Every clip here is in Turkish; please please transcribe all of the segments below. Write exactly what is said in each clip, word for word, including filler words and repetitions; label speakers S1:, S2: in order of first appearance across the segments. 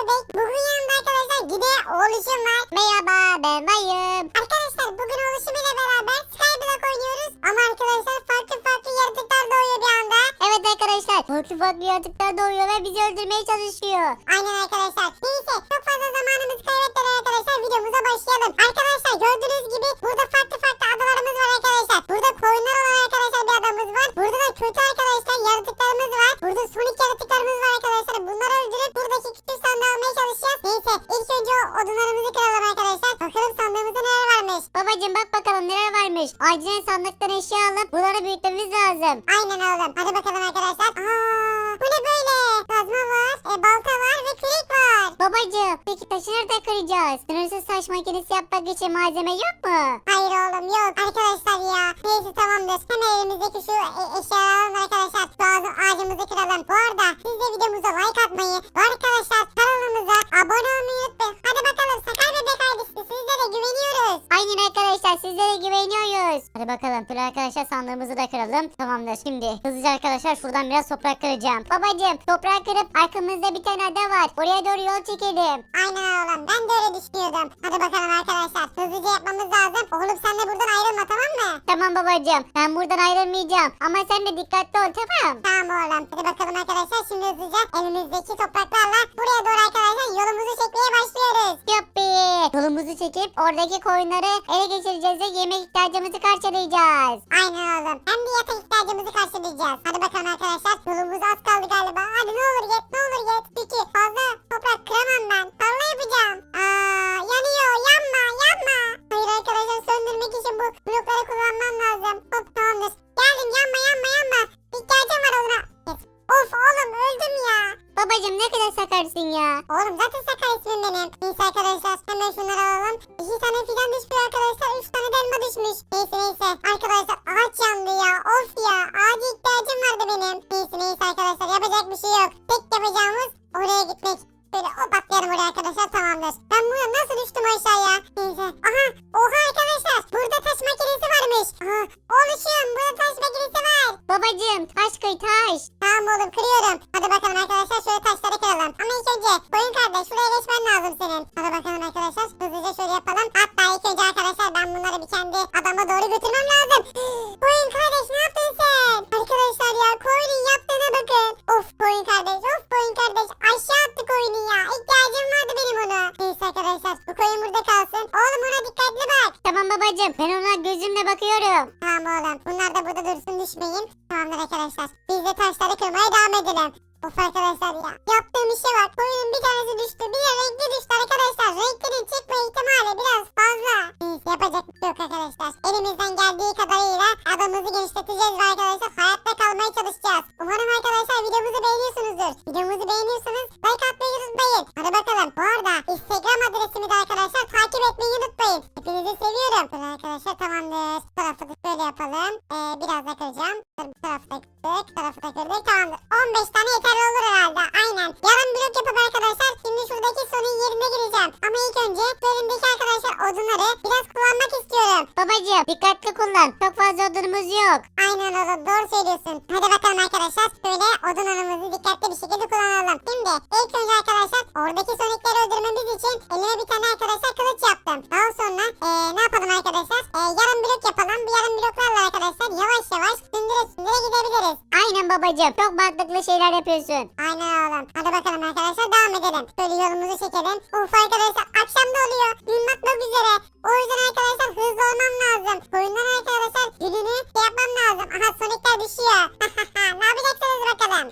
S1: bebek. Bugün yanımda arkadaşlar yine oğluşum var. Merhaba, ben Mayım. Arkadaşlar bugün oğluşum ile beraber Skyblock oynuyoruz. Ama arkadaşlar farklı farklı yaratıklar doğuyor bir anda. Evet arkadaşlar, farklı farklı yaratıklar doğuyor ve bizi öldürmeye çalışıyor. Aynen arkadaşlar. Neyse, çok fazla zamanımızı kaybetmeden arkadaşlar videomuza başlayalım. Arkadaşlar gördüğünüz gibi burada farklı farklı adalarımız var arkadaşlar. Burada koyunlar olan arkadaşlar bir adamımız var. Burada da kötü arkadaşlar yaratıklarımız var. Burada sonik yaratıklarımız var arkadaşlar. Bunları öldürüp buradaki küçük sandığı almaya çalışacağız. Neyse, ilk önce o odunlarımızı kıralım arkadaşlar. Bakalım sandığımızda neler varmış.
S2: Babacım bak bakalım neler varmış. Acilen sandıktan eşya alıp bunları büyütmemiz lazım.
S1: Aynen oğlum. Hadi bakalım arkadaşlar. Aa, bu ne böyle? Kazma var, e, balta var ve kürek var.
S2: Babacım peki taşı nerede kıracağız? Sınırsız taş makinesi yapmak için malzeme yok mu?
S1: Hayır oğlum yok. Arkadaşlar ya. Neyse tamamdır. Hemen elimizdeki şu e, eşyaları alalım arkadaşlar. Şu ağacı- ağacımızı kıralım. Bu arada siz de videomuza like atmayı ve arkadaşlar kanalımıza abone olmayı unutmayın. Hadi bakalım Sakar Bebek ailesi sizlere güveniyoruz.
S2: Aynen arkadaşlar sizlere güveniyoruz. Hadi bakalım dur arkadaşlar sandığımızı da kıralım. Tamamdır şimdi hızlıca arkadaşlar şuradan biraz toprak kıracağım. Babacım toprak kırıp arkamızda bir tane ada var. Oraya doğru yol çekelim.
S1: Aynen oğlum. Ben de öyle düşünüyordum. Hadi bakalım arkadaşlar. Hızlıca yapmamız lazım. Oğlum sen de buradan ayrılma tamam mı?
S2: Tamam babacım ben buradan ayrılmayacağım. Ama sen de dikkatli ol tamam.
S1: Tamam oğlum. Hadi bakalım arkadaşlar. Şimdi hızlıca elimizdeki topraklarla buraya doğru arkadaşlar yolumuzu çekmeye başlıyoruz.
S2: Yuppi. Yolumuzu çekip oradaki koyunları ele geçireceğiz ve yemek ihtiyacımızı karşılayacağız.
S1: Aynen oğlum. Hem de yatak ihtiyacımızı karşılayacağız. Hadi bakalım arkadaşlar. Yolumuz az kaldı galiba. Hadi ne olur git. Ne olur git. Peki fazla toprak kıramam ben. Tarla yapacağım. Aa, yanıyor. Yanma. Yanma. Hayır arkadaşlar söndürmek için bu blokları kullanmam lazım. Hop tamamdır. Geldim. Yanma yanma yanma. İhtiyacım var ona. Yes. Of oğlum öldüm ya.
S2: Babacım ne kadar sakarsın ya.
S1: Oğlum zaten Sakar ismim benim. Neyse arkadaşlar hemen şunları alalım. İki tane fidan düşmüş arkadaşlar. Üç tane de elma düşmüş. Neyse neyse. Arkadaşlar ağaç yandı ya. Of ya. Ağaca ihtiyacım vardı benim. Neyse neyse arkadaşlar. Yapacak bir şey yok. Tek yapacağımız oraya gitmek. Böyle hop atlayalım oraya arkadaşlar tamamdır. Ben buradan nasıl düştüm aşağıya? Neyse. Aha. Oha arkadaşlar. Burada taş makinesi varmış. Aha. Oluşum. Burada taş makinesi var.
S2: Babacım taş kıy taş.
S1: Tamam oğlum kırıyorum. Hadi bakalım arkadaşlar şöyle taşları kıralım. Ama ilk önce koyun kardeş şuraya geçmen lazım senin. Hadi bakalım arkadaşlar hızlıca şöyle yapalım. Hatta ilk önce arkadaşlar ben bunları bir kendi adama doğru götürmem lazım. Koyun kardeş ne yaptın sen? Arkadaşlar ya koyunun yaptığına bakın. Of koyun kardeş of koyun kardeş. Aşağı attı koyunu ya. İhtiyacım vardı benim ona. Neyse arkadaşlar bu koyun burada kalsın. Oğlum ona dikkatli bak.
S2: Tamam babacım ben ona gözümle bakıyorum.
S1: Tamam oğlum. Bunlar da burada dursun düşmeyin. Tamamdır arkadaşlar. Biz de taşları kırmaya devam edelim. Of arkadaşlar ya. Yaptığım işe bak. Koyunun bir tanesi düştü. Bir de renkli düştü arkadaşlar. Renklerin çıkma ihtimali biraz fazla. Neyse yapacak bir şey yok arkadaşlar. Elimizden geldiği kadarıyla adamımızı genişleteceğiz ve arkadaşlar hayatta kalmaya çalışacağız. Umarım arkadaşlar videomuzu beğeniyorsunuzdur. Videomuzu beğeniyorsanız like atmayı unutmayın. Hadi bakalım. Bu arada Instagram adresimi de arkadaşlar takip etmeyi unutmayın. Hepinizi seviyorum. Böyle arkadaşlar tamamdır. Bu tarafı da böyle yapalım. Ee, biraz da kıracağım. Dur, bu tarafı da kırdık. Bu tarafı da kırdık. Tamamdır. on beş tane yeterli olur herhalde. Aynen. Yarım blok yapıp arkadaşlar şimdi şuradaki sonun yerine gireceğim. Ama ilk önce bu elimdeki arkadaşlar odunları biraz kullanmak istiyorum.
S2: Babacım dikkatli kullan. Çok fazla odunumuz yok.
S1: Aynen oğlum doğru söylüyorsun. Hadi bakalım arkadaşlar böyle odun anımızı dikkatli bir şekilde kullanalım. Şimdi ilk önce arkadaşlar oradaki sonikleri öldürmemiz için elime bir tane arkadaşlar kılıç yaptım. Daha sonra ee, ne yapalım arkadaşlar? Ee, yarım blok yapalım. Bu yarım bloklarla arkadaşlar yavaş yavaş sündüre sündüre gidebiliriz.
S2: Aynen babacım çok mantıklı şeyler yapıyorsun.
S1: Aynen oğlum. Hadi bakalım arkadaşlar devam edelim. Böyle yolumuzu çekelim. Uf arkadaşlar akşam da oluyor. Gün batmak üzere. O yüzden arkadaşlar hızlı olmam lazım. Koyundan arkadaşlar gününü şey yapmam lazım. Aha sonikler düşüyor. Ne yapacaksınız bakalım?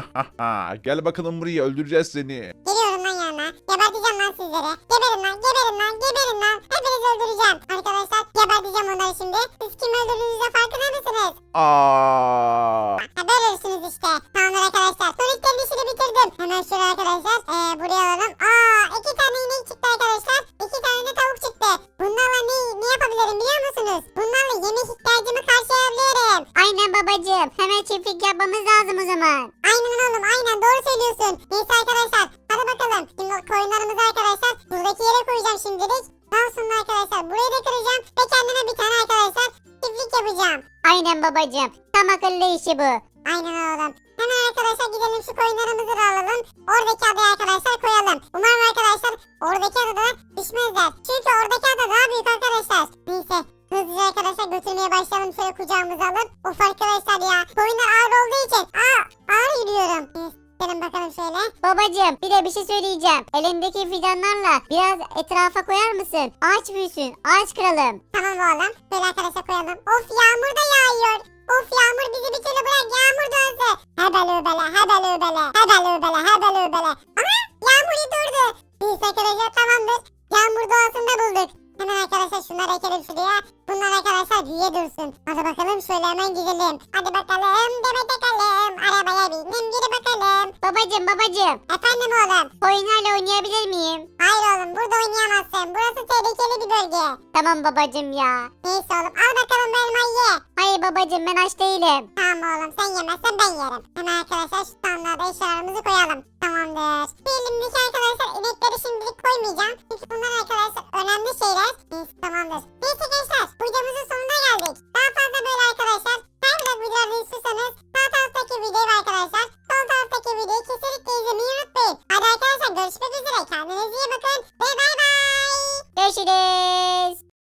S3: Gel bakalım buraya öldüreceğiz seni.
S1: Geliyorum lan yanına. Geberteceğim lan sizleri. Geberin lan geberin lan geberin lan. Hepinizi öldüreceğim. Arkadaşlar geberteceğim onları şimdi. Siz kimi öldürdüğünüzde farkında mısınız?
S3: Aa!
S1: Ha böyle ölürsünüz işte. Tamamdır arkadaşlar. Soniclerin işini bitirdim. Hemen şöyle arkadaşlar. Ee, buraya alalım. Aa iki tane inek çıktı arkadaşlar. İki tane de tavuk çıktı. Bunlarla ne, ne yapabilirim biliyor musunuz? Bunlarla yemek ihtiyacımı karşılayabilirim.
S2: Aynen babacım hemen çiftlik yapmamız lazım o zaman.
S1: Aynen oğlum aynen doğru söylüyorsun. Neyse arkadaşlar hadi bakalım. Şimdi koyunlarımızı arkadaşlar buradaki yere koyacağım şimdilik. Daha sonra arkadaşlar burayı da kıracağım. Ve kendime bir tane arkadaşlar çiftlik yapacağım.
S2: Aynen babacım tam akıllı işi bu.
S1: Aynen oğlum. Hemen arkadaşlar gidelim şu koyunlarımızı da alalım. Oradaki adaya arkadaşlar koyalım. Umarım
S2: Babacım bir de bir şey söyleyeceğim. Elindeki fidanlarla biraz etrafa koyar mısın? Ağaç büyüsün. Ağaç kıralım.
S1: Tamam oğlum. Böyle arkadaşlar koyalım. Of yağmur da yağıyor. Of yağmur bizi bir türlü bırak yağmur dönsün. Hebel öbele hebel öbele hebel öbele hebel öbele. Aha yağmur durdu. Biz arkadaşlar tamamdır. Yağmur doğasında bulduk. Hemen arkadaşlar şunları ekelim şuraya. Bunlar arkadaşlar büyüye dursun. Hadi bakalım şöyle hemen gidelim. Hadi bakalım Demet bakalım. Arabaya bindim geri bakalım.
S2: Babacım babacım.
S1: Efendim oğlum.
S2: Oyunlarla oynayabilir miyim?
S1: Hayır oğlum burada oynayamazsın. Burası tehlikeli bir bölge.
S2: Tamam babacım ya.
S1: Neyse oğlum al bakalım bu elmayı ye.
S2: Hayır babacım ben aç değilim.
S1: Tamam oğlum sen yemezsen ben yerim. Hemen arkadaşlar şu sandığa da eşyalarımızı koyalım. Tamamdır. Bir elimdeki arkadaşlar inekleri şimdilik koymayacağım. Çünkü bunlar arkadaşlar önemli şeyler. Neyse tamamdır. Neyse gençler videomuzun sonuna geldik. Daha fazla böyle arkadaşlar. Her vlog videoları istiyorsanız sağ taraftaki videoyu ve arkadaşlar sol taraftaki videoyu kesinlikle izlemeyi unutmayın. Hadi arkadaşlar görüşmek üzere. Kendinize iyi bakın ve bay bay.
S2: Görüşürüz.